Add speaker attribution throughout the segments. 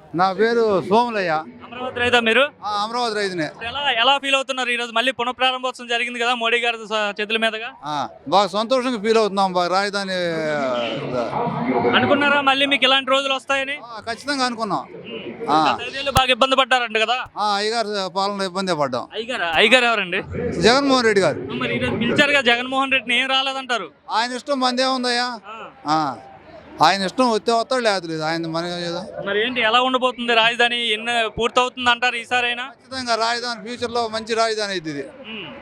Speaker 1: నా పేరు సోములయ్య.
Speaker 2: అమరావతి రైతా మీరు?
Speaker 1: అమరావతి రైతునే.
Speaker 2: ఎలా ఎలా ఫీల్ అవుతున్నారు ఈరోజు? మళ్ళీ పునఃప్రారంభోత్సవం జరిగింది కదా మోడీ గారి చేతుల మీదుగా.
Speaker 1: బాగా సంతోషంగా ఫీల్ అవుతున్నాం. బాగా రాజధాని
Speaker 2: అనుకున్నారా మళ్ళీ మీకు ఇలాంటి రోజులు వస్తాయని?
Speaker 1: ఖచ్చితంగా అనుకున్నాం.
Speaker 2: గత 5 ఏళ్ళు బాగా ఇబ్బంది పడ్డారంట కదా.
Speaker 1: అయ్యగారు పాలన ఇబ్బంది పడ్డాం.
Speaker 2: అయ్యగారు ఎవరండి?
Speaker 1: జగన్మోహన్ రెడ్డి గారు.
Speaker 2: మరి ఈరోజు పిలిచారుగా జగన్మోహన్ రెడ్డిని, ఏం రాలేదంటారు?
Speaker 1: ఆయన ఇష్టం మంది ఏముందయ్యా? ఆయన ఇష్టం వస్తే వస్తాడు, లేదు ఆయన మన.
Speaker 2: మరి ఏంటి, ఎలా ఉండబోతుంది రాజధాని? ఎన్ని పూర్తవుతుంది అంటారు ఈసారైనా?
Speaker 1: ఖచ్చితంగా రాజధాని ఫ్యూచర్ లో మంచి రాజధాని అయితే ఇది.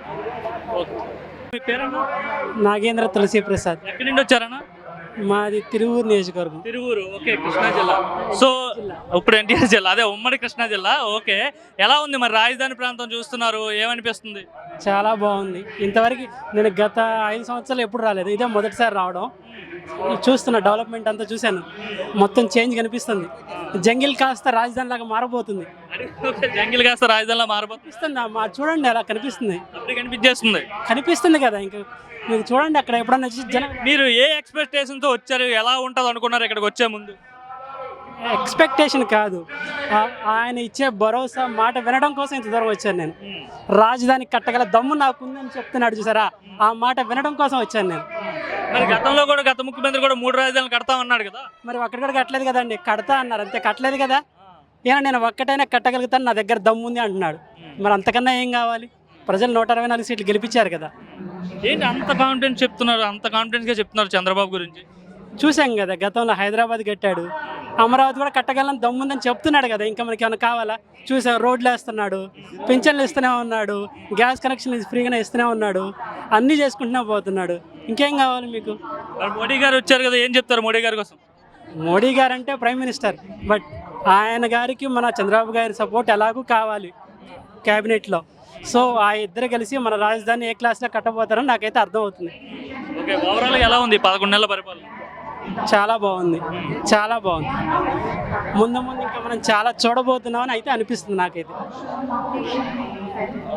Speaker 2: మీ పేరన్నా?
Speaker 3: నాగేంద్ర తులసి ప్రసాద్.
Speaker 2: ఎక్కడి నుండి వచ్చారన్నా?
Speaker 3: మాది తిరువూరు నియోజకవర్గం.
Speaker 2: తిరువూరు, ఓకే. కృష్ణా జిల్లా. సో ఇప్పుడు ఎన్టీఆర్ జిల్లా, అదే ఉమ్మడి కృష్ణా జిల్లా. ఓకే, ఎలా ఉంది మరి రాజధాని ప్రాంతం చూస్తున్నారు, ఏమనిపిస్తుంది?
Speaker 3: చాలా బాగుంది. ఇంతవరకు నేను గత 5 సంవత్సరాలు ఎప్పుడు రాలేదు, ఇదే మొదటిసారి రావడం. చూస్తున్నా డెవలప్మెంట్ అంతా చూశాను, మొత్తం చేంజ్ కనిపిస్తుంది. జంగిల్ కాస్త రాజధాని లాగా మారబోతుంది.
Speaker 2: జంగిల్ కాస్త రాజధానిలా మారబోతుంది.
Speaker 3: చూడండి అలా కనిపిస్తుంది.
Speaker 2: కనిపిస్తుంది
Speaker 3: కదా, ఇంకా మీరు చూడండి అక్కడ ఎప్పుడన్నా జనం.
Speaker 2: మీరు ఏ ఎక్స్పెక్టేషన్ తో వచ్చారు, ఎలా ఉంటుంది అనుకున్నారు ఇక్కడికి వచ్చే ముందు?
Speaker 3: ఎక్స్పెక్టేషన్ కాదు, ఆయన ఇచ్చే భరోసా మాట వినడం కోసం ఇంత దూరం వచ్చాను నేను. రాజధాని కట్టగల దమ్ము నాకుందని చెప్తున్నాడు చూసారా, ఆ మాట వినడం కోసం వచ్చాను నేను.
Speaker 2: మరి గతంలో కూడా గత ముఖ్యమంత్రి కూడా 3 రాజధానులు కడతా అన్నాడు కదా.
Speaker 3: మరి అక్కడ కూడా కట్టలేదు కదండి. కడతా అన్నారు అంతే, కట్టలేదు కదా. ఏనా నేను ఒక్కటైనా కట్టగలుగుతాను, నా దగ్గర దమ్ము ఉంది అంటున్నాడు. మరి అంతకన్నా ఏం కావాలి? ప్రజలు 124 సీట్లు గెలిపించారు కదా.
Speaker 2: ఏంటి అంత కాన్ఫిడెన్స్ చెప్తున్నారు, అంత కాన్ఫిడెన్స్గా చెప్తున్నారు చంద్రబాబు గురించి?
Speaker 3: చూసాం కదా, గతంలో హైదరాబాద్ కట్టాడు, అమరావతి కూడా కట్టగలని దమ్ముందని చెప్తున్నాడు కదా. ఇంకా మనకి ఏమైనా కావాలా? చూసాం, రోడ్లు వేస్తున్నాడు, పింఛన్లు ఇస్తూనే ఉన్నాడు, గ్యాస్ కనెక్షన్ ఫ్రీగానే ఇస్తూనే ఉన్నాడు, అన్నీ చేసుకుంటూనే పోతున్నాడు. ఇంకేం కావాలి మీకు?
Speaker 2: మోడీ గారు వచ్చారు కదా, ఏం చెప్తారు మోడీ గారి కోసం?
Speaker 3: మోడీ గారు అంటే ప్రైమ్ మినిస్టర్, బట్ ఆయన గారికి మన చంద్రబాబు గారి సపోర్ట్ ఎలాగూ కావాలి క్యాబినెట్లో. సో ఆ ఇద్దరు కలిసి మన రాజధాని ఏ క్లాస్లో కట్టబోతారని నాకైతే అర్థమవుతుంది.
Speaker 2: ఓకే, ఓవరాల్గా ఎలా ఉంది 11 నెలల పరిపాలన?
Speaker 3: చాలా బాగుంది, చాలా బాగుంది. ముందు ఇంకా మనం చాలా చూడబోతున్నామని అయితే అనిపిస్తుంది నాకైతే.